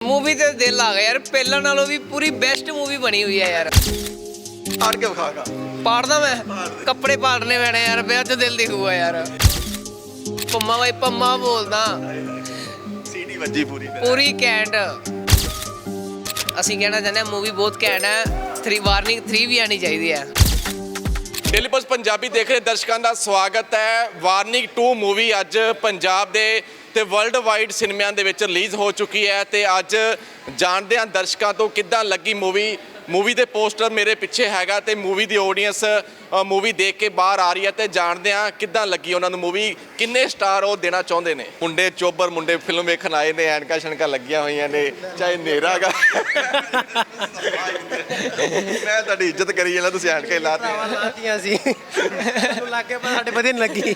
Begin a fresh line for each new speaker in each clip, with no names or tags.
Movie ਤੇ ਦਿਲ ਆ ਗਿਆ ਯਾਰ ਪਹਿਲਾਂ ਨਾਲੋਂ ਵੀ ਪੂਰੀ ਬੈਸਟ ਮੂਵੀ ਬਣੀ ਹੋਈ ਹੈ ਯਾਰ
ਪਾੜ ਕੇ ਵਿਖਾਗਾ
ਪਾੜਦਾ ਮੈਂ ਕੱਪੜੇ ਪਾੜਨੇ ਪੈਣੇ ਯਾਰ ਵਿਆਹ 'ਚ ਦਿਲ ਦਿਖੂਗਾ ਯਾਰ ਪੰਮਾ ਬਾਈ ਪੰਮਾ ਬੋਲਦਾ
ਸੀਡੀ ਵੱਜੀ ਪੂਰੀ
ਪੂਰੀ ਕੈਂਟ ਅਸੀਂ ਕਹਿਣਾ ਚਾਹੁੰਦੇ ਹਾਂ ਮੂਵੀ ਬਹੁਤ ਘੈਂਟ ਹੈ 3 ਵਾਰਨਿੰਗ 3 ਵੀ ਆਣੀ ਚਾਹੀਦੀ ਹੈ।
ਡੇਲੀ ਪੋਸਟ ਪੰਜਾਬੀ ਦੇਖ ਰਹੇ ਦਰਸ਼ਕਾਂ ਦਾ ਸਵਾਗਤ ਹੈ। ਵਾਰਨਿੰਗ 2 ਮੂਵੀ ਅੱਜ ਪੰਜਾਬ ਦੇ ਤੇ ਵਰਲਡ ਵਾਈਡ ਸਿਨੇਮਿਆਂ ਦੇ ਵਿੱਚ ਰਿਲੀਜ਼ ਹੋ ਚੁੱਕੀ ਹੈ ਤੇ ਅੱਜ ਜਾਣਦੇ ਹਾਂ ਦਰਸ਼ਕਾਂ ਤੋਂ ਕਿੱਦਾਂ ਲੱਗੀ ਮੂਵੀ ਦੇ ਪੋਸਟਰ ਮੇਰੇ ਪਿੱਛੇ ਹੈਗਾ ਤੇ ਮੂਵੀ ਦੀ ਆਡੀਅנס ਮੂਵੀ ਦੇਖ ਕੇ ਬਾਹਰ ਆ ਰਹੀ ਹੈ ਤੇ ਜਾਣਦੇ ਹਾਂ ਕਿੱਦਾਂ ਲੱਗੀ ਉਹਨਾਂ ਨੂੰ ਮੂਵੀ, ਕਿੰਨੇ ਸਟਾਰ ਉਹ ਦੇਣਾ ਚਾਹੁੰਦੇ ਨੇ। ਮੁੰਡੇ ਚੋਬਰ ਮੁੰਡੇ ਫਿਲਮ ਵੇਖਣ ਆਏ ਨੇ, ਐਨਕਾਂ ਸ਼ਣਕਾਂ ਲੱਗੀਆਂ ਹੋਈਆਂ ਨੇ, ਚਾਹੇ ਹਨੇਰਾ ਹੈਗਾ ਮੈਂ ਤੁਹਾਡੀ ਇੱਜ਼ਤ ਕਰੀ ਜਾਂਦਾ, ਤੁਸੀਂ ਐਨਕਾਂ
ਲਾਤੀਆਂ ਸੀ ਤੁਹਾਨੂੰ ਲੱਗ ਗਿਆ ਪਰ ਸਾਡੇ ਵਧੀਆ ਨਹੀਂ ਲੱਗੀ।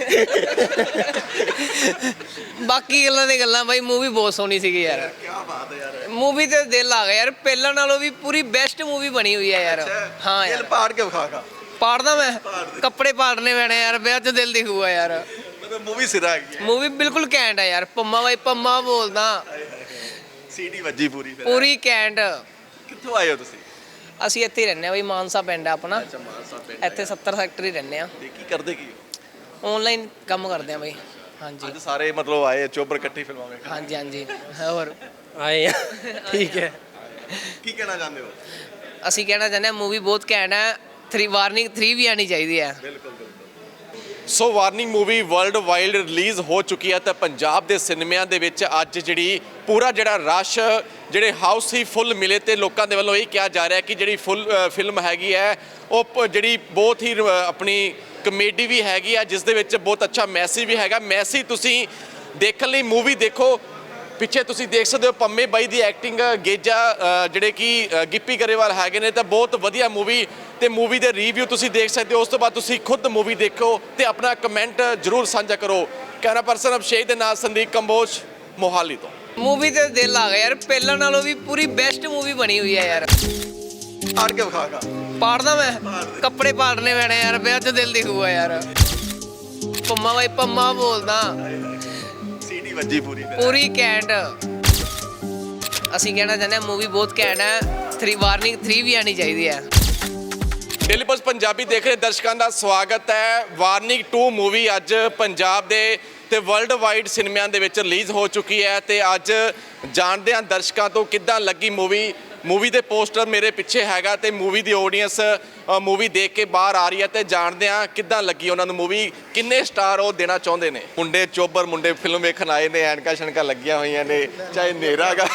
ਬਾਕੀ ਗੱਲਾਂ ਦੀ ਗੱਲਾਂ ਬਾਈ ਮੂਵੀ ਬਹੁਤ ਸੋਹਣੀ ਸੀਗੀ ਯਾਰ।
ਕੀ ਬਾਤ ਹੈ ਯਾਰ,
ਮੂਵੀ ਤੇ ਦਿਲ ਆ ਗਿਆ ਯਾਰ ਪਹਿਲਾਂ ਨਾਲੋਂ ਵੀ ਪੂਰੀ ਬੈਸਟ ਮੂਵੀ ਬਣੀ ਹੋਈ ਹੈ ਯਾਰ। ਹਾਂ ਯਾਰ
ਪਾੜ ਕੇ ਵਿਖਾਗਾ
ਪਾੜਦਾ ਮੈਂ ਕੱਪੜੇ ਪਾੜਨੇ ਪੈਣੇ ਯਾਰ ਵਿਆਹ 'ਚ ਦਿਲ ਦਿਖੂਗਾ ਯਾਰ।
ਮਤਲਬ ਮੂਵੀ ਸਿਰਾ ਹੈਗੀ ਹੈ,
ਮੂਵੀ ਬਿਲਕੁਲ ਘੈਂਟ ਹੈ ਯਾਰ। ਪੰਮਾ ਬਾਈ ਪੰਮਾ ਬੋਲਦਾ
ਸੀਡੀ ਵੱਜੀ ਪੂਰੀ
ਪੂਰੀ ਘੈਂਟ।
ਕਿੱਥੋਂ ਆਏ ਹੋ ਤੁਸੀਂ?
ਅਸੀਂ ਇੱਥੇ ਹੀ ਰਹਿੰਦੇ ਆ ਬਈ, ਮਾਨਸਾ ਪਿੰਡ ਆ ਆਪਣਾ,
ਅੱਛਾ ਮਾਨਸਾ ਪਿੰਡ
ਇੱਥੇ 70 ਸੈਕਟਰ ਹੀ ਰਹਿੰਦੇ ਆ।
ਤੇ ਕੀ ਕਰਦੇ ਕੀ ਹੋ?
ਆਨਲਾਈਨ ਕੰਮ ਕਰਦੇ ਆ ਬਈ। ਹਾਂਜੀ
ਅੱਜ ਸਾਰੇ ਮਤਲਬ ਆਏ ਚੋਬਰ ਇਕੱਠੀ ਫਿਲਮਾਂ ਵੇਖਣ,
ਹਾਂਜੀ ਹਾਂਜੀ ਹੋਰ
ਆਏ ਆ ਠੀਕ ਹੈ।
ਕੀ ਕਹਿਣਾ ਚਾਹੁੰਦੇ ਹੋ?
ਅਸੀਂ ਕਹਿਣਾ ਚਾਹੁੰਦੇ ਹਾਂ ਮੂਵੀ ਬਹੁਤ ਘੈਂਟ ਹੈ 3 ਵਾਰਨਿੰਗ 3 ਵੀ ਆਣੀ ਚਾਹੀਦੀ ਹੈ।
So warning movie world wide release ਹੋ ਚੁੱਕੀ ਹੈ ਤੇ ਪੰਜਾਬ ਦੇ ਸਿਨੇਮਿਆਂ ਦੇ ਵਿੱਚ ਅੱਜ ਜਿਹੜੀ ਪੂਰਾ ਜਿਹੜਾ ਰਸ਼ ਜਿਹੜੇ ਹਾਊਸ ਹੀ ਫੁੱਲ ਮਿਲੇ ਤੇ ਲੋਕਾਂ ਦੇ ਵੱਲੋਂ ਇਹ ਕਿਹਾ ਜਾ ਰਿਹਾ ਕਿ ਜਿਹੜੀ ਫਿਲਮ ਹੈਗੀ ਹੈ ਉਹ ਜਿਹੜੀ ਬਹੁਤ ਹੀ ਆਪਣੀ ਕਮੇਡੀ ਵੀ ਹੈਗੀ ਹੈ, ਜਿਸ ਦੇ ਵਿੱਚ ਬਹੁਤ ਅੱਛਾ ਮੈਸੇਜ ਵੀ ਹੈਗਾ। ਮੈਸੇਜ ਤੁਸੀਂ ਦੇਖਣ ਲਈ ਮੂਵੀ ਦੇਖੋ। ਪਿੱਛੇ ਤੁਸੀਂ ਦੇਖ ਸਕਦੇ ਹੋ ਪੰਮੇ ਬਾਈ ਦੀ ਐਕਟਿੰਗ, ਗੇਜਾ ਜਿਹੜੇ ਕਿ ਗਿੱਪੀ ਗਰੇਵਾਲ ਹੈਗੇ ਨੇ, ਤਾਂ ਬਹੁਤ ਵਧੀਆ ਮੂਵੀ ਤੇ ਮੂਵੀ ਦੇ ਰਿਵਿਊ ਤੁਸੀਂ ਦੇਖ ਸਕਦੇ ਹੋ। ਉਸ ਤੋਂ ਬਾਅਦ ਤੁਸੀਂ ਖੁਦ ਮੂਵੀ ਦੇਖੋ ਤੇ ਆਪਣਾ ਕਮੈਂਟ ਜ਼ਰੂਰ ਸਾਂਝਾ ਕਰੋ। ਕੈਮਰਾ ਪਰਸਨ ਅਭਿਸ਼ੇਕ ਦੇ ਨਾਲ ਸੰਦੀਪ ਕੰਬੋਜ, ਮੋਹਾਲੀ ਤੋਂ।
ਮੂਵੀ ਤੇ ਦਿਲ ਆ ਗਿਆ ਯਾਰ ਪਹਿਲਾਂ ਨਾਲੋਂ ਵੀ ਪੂਰੀ ਬੈਸਟ ਮੂਵੀ ਬਣੀ ਹੋਈ ਹੈ ਯਾਰ।
ਪਾੜ ਕੇ ਵਿਖਾਗਾ
ਪਾੜਦਾ ਮੈਂ ਕੱਪੜੇ ਪਾੜਨੇ ਪੈਣੇ ਯਾਰ ਵਿਆਹ 'ਚ ਦਿਲ ਦਿਖੂਗਾ ਯਾਰ। ਪੰਮਾ ਬਾਈ ਪੰਮਾ ਬੋਲਦਾ
ਸੀਡੀ ਵੱਜੀ ਪੂਰੀ
ਪੂਰੀ ਕੈਂਟ। ਅਸੀਂ ਕਹਿਣਾ ਚਾਹੁੰਦੇ ਹਾਂ ਮੂਵੀ ਬਹੁਤ ਘੈਂਟ ਹੈ 3 ਵਾਰਨਿੰਗ 3 ਵੀ ਆਣੀ ਚਾਹੀਦੀ ਹੈ।
ਡੇਲੀ ਪੋਸਟ ਪੰਜਾਬੀ ਦੇਖ ਰਹੇ ਦਰਸ਼ਕਾਂ ਦਾ ਸਵਾਗਤ ਹੈ। ਵਾਰਨਿੰਗ 2 ਮੂਵੀ ਅੱਜ ਪੰਜਾਬ ਦੇ ਤੇ ਵਰਲਡ ਵਾਈਡ ਸਿਨੇਮਿਆਂ ਦੇ ਵਿੱਚ ਰਿਲੀਜ਼ ਹੋ ਚੁੱਕੀ ਹੈ ਤੇ ਅੱਜ ਜਾਣਦੇ ਹਾਂ ਦਰਸ਼ਕਾਂ ਤੋਂ ਕਿੱਦਾਂ ਲੱਗੀ ਮੂਵੀ ਦੇ ਪੋਸਟਰ ਮੇਰੇ ਪਿੱਛੇ ਹੈਗਾ ਤੇ ਮੂਵੀ ਦੀ ਆਡੀਅנס ਮੂਵੀ ਦੇਖ ਕੇ ਬਾਹਰ ਆ ਰਹੀ ਹੈ ਤੇ ਜਾਣਦੇ ਹਾਂ ਕਿੱਦਾਂ ਲੱਗੀ ਉਹਨਾਂ ਨੂੰ ਮੂਵੀ, ਕਿੰਨੇ ਸਟਾਰ ਉਹ ਦੇਣਾ ਚਾਹੁੰਦੇ ਨੇ। ਮੁੰਡੇ ਚੋਬਰ ਮੁੰਡੇ ਫਿਲਮ ਵੇਖਣ ਆਏ ਨੇ, ਐਨਕਾਂ ਸ਼ਣਕਾਂ ਲੱਗੀਆਂ ਹੋਈਆਂ ਨੇ, ਚਾਹੇ ਹਨੇਰਾ ਹੈਗਾ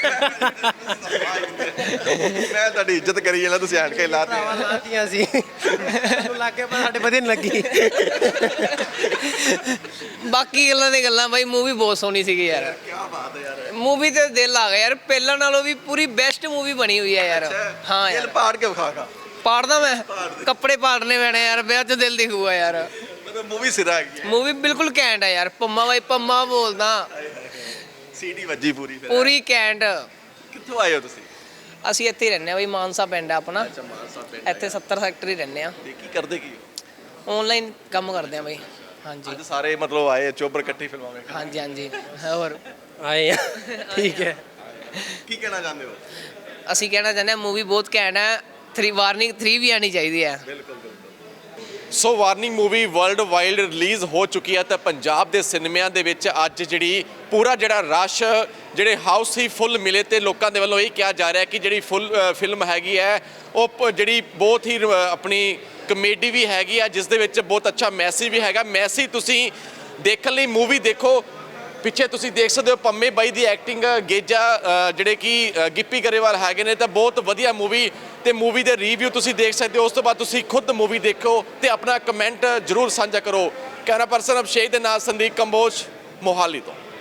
ਮੈਂ ਤੁਹਾਡੀ ਇੱਜ਼ਤ ਕਰੀ ਜਾਂਦਾ, ਤੁਸੀਂ ਐਨਕਾਂ
ਲਾਤੀਆਂ ਸੀ ਤੁਹਾਨੂੰ ਲੱਗ ਗਿਆ ਪਰ ਸਾਡੇ ਵਧੀਆ ਨਹੀਂ ਲੱਗੀ।
ਬਾਕੀ ਗੱਲਾਂ ਦੀ ਗੱਲਾਂ ਬਾਈ ਮੂਵੀ ਬਹੁਤ ਸੋਹਣੀ ਸੀਗੀ ਯਾਰ।
ਕੀ ਬਾਤ ਹੈ ਯਾਰ,
ਮੂਵੀ ਤੇ ਦਿਲ ਆ ਗਿਆ ਯਾਰ ਪਹਿਲਾਂ ਨਾਲੋਂ ਵੀ ਪੂਰੀ ਬੈਸਟ ਮੂਵੀ ਬਣੀ ਹੋਈ ਹੈ ਯਾਰ। ਹਾਂ ਯਾਰ
ਪਾੜ ਕੇ ਵਿਖਾਗਾ
ਪਾੜਦਾ ਮੈਂ ਕੱਪੜੇ ਪਾੜਨੇ ਪੈਣੇ ਯਾਰ ਵਿਆਹ 'ਚ ਦਿਲ ਦਿਖੂਗਾ ਯਾਰ।
ਮਤਲਬ ਮੂਵੀ ਸਿਰਾ ਹੈਗੀ ਹੈ,
ਮੂਵੀ ਬਿਲਕੁਲ ਘੈਂਟ ਹੈ ਯਾਰ। ਪੰਮਾ ਬਾਈ ਪੰਮਾ ਬੋਲਦਾ
ਸੀਡੀ ਵੱਜੀ ਪੂਰੀ
ਪੂਰੀ ਘੈਂਟ।
ਕਿੱਥੋਂ ਆਏ ਹੋ ਤੁਸੀਂ?
ਅਸੀਂ ਇੱਥੇ ਹੀ ਰਹਿੰਦੇ ਆ ਬਈ, ਮਾਨਸਾ ਪਿੰਡ ਆ ਆਪਣਾ,
ਅੱਛਾ ਮਾਨਸਾ ਪਿੰਡ
ਇੱਥੇ 70 ਸੈਕਟਰ ਹੀ ਰਹਿੰਦੇ ਆ।
ਤੇ ਕੀ ਕਰਦੇ ਕੀ ਹੋ?
ਆਨਲਾਈਨ ਕੰਮ ਕਰਦੇ ਆ ਬਈ। ਹਾਂਜੀ
ਅੱਜ ਸਾਰੇ ਮਤਲਬ ਆਏ ਚੋਬਰ ਇਕੱਠੀ ਫਿਲਮਾਂ ਵੇਖਣ,
ਹਾਂਜੀ ਹਾਂਜੀ ਹੋਰ
ਆਏ ਆ ਠੀਕ ਹੈ।
ਕੀ ਕਹਿਣਾ ਚਾਹੁੰਦੇ ਹੋ?
ਅਸੀਂ ਕਹਿਣਾ ਚਾਹੁੰਦੇ ਹਾਂ ਮੂਵੀ ਬਹੁਤ ਘੈਂਟ ਹੈ 3 ਵਾਰਨਿੰਗ 3 ਵੀ ਆਣੀ ਚਾਹੀਦੀ ਹੈ।
So warning movie world wide release ਹੋ ਚੁੱਕੀ ਹੈ ਤੇ ਪੰਜਾਬ ਦੇ ਸਿਨੇਮਿਆਂ ਦੇ ਵਿੱਚ ਅੱਜ ਜਿਹੜੀ ਪੂਰਾ ਜਿਹੜਾ ਰਸ਼ ਜਿਹੜੇ ਹਾਊਸ ਹੀ ਫੁੱਲ ਮਿਲੇ ਤੇ ਲੋਕਾਂ ਦੇ ਵੱਲੋਂ ਇਹ ਕਿਹਾ ਜਾ ਰਿਹਾ ਕਿ ਜਿਹੜੀ ਫਿਲਮ ਹੈਗੀ ਹੈ ਉਹ ਜਿਹੜੀ ਬਹੁਤ ਹੀ ਆਪਣੀ ਕਮੇਡੀ ਵੀ ਹੈਗੀ ਆ, ਜਿਸ ਦੇ ਵਿੱਚ ਬਹੁਤ ਅੱਛਾ ਮੈਸੇਜ ਵੀ ਹੈਗਾ। ਮੈਸੇਜ ਤੁਸੀਂ ਦੇਖਣ ਲਈ ਮੂਵੀ ਦੇਖੋ। ਪਿੱਛੇ ਤੁਸੀਂ ਦੇਖ ਸਕਦੇ ਹੋ ਪੰਮੇ ਬਾਈ ਦੀ ਐਕਟਿੰਗ, ਗੇਜਾ ਜਿਹੜੇ ਕਿ ਗਿੱਪੀ ਗਰੇਵਾਲ ਹੈਗੇ ਨੇ, ਤਾਂ ਬਹੁਤ ਵਧੀਆ ਮੂਵੀ ਤੇ ਮੂਵੀ ਦੇ ਰਿਵਿਊ ਤੁਸੀਂ ਦੇਖ ਸਕਦੇ ਹੋ। ਉਸ ਤੋਂ ਬਾਅਦ ਤੁਸੀਂ ਖੁਦ ਮੂਵੀ ਦੇਖੋ ਤੇ ਆਪਣਾ ਕਮੈਂਟ ਜ਼ਰੂਰ ਸਾਂਝਾ ਕਰੋ। ਕੈਮਰਾ ਪਰਸਨ ਅਭਿਸ਼ੇਕ ਦੇ ਨਾਲ ਸੰਦੀਪ ਕੰਬੋਜ, ਮੋਹਾਲੀ ਤੋਂ।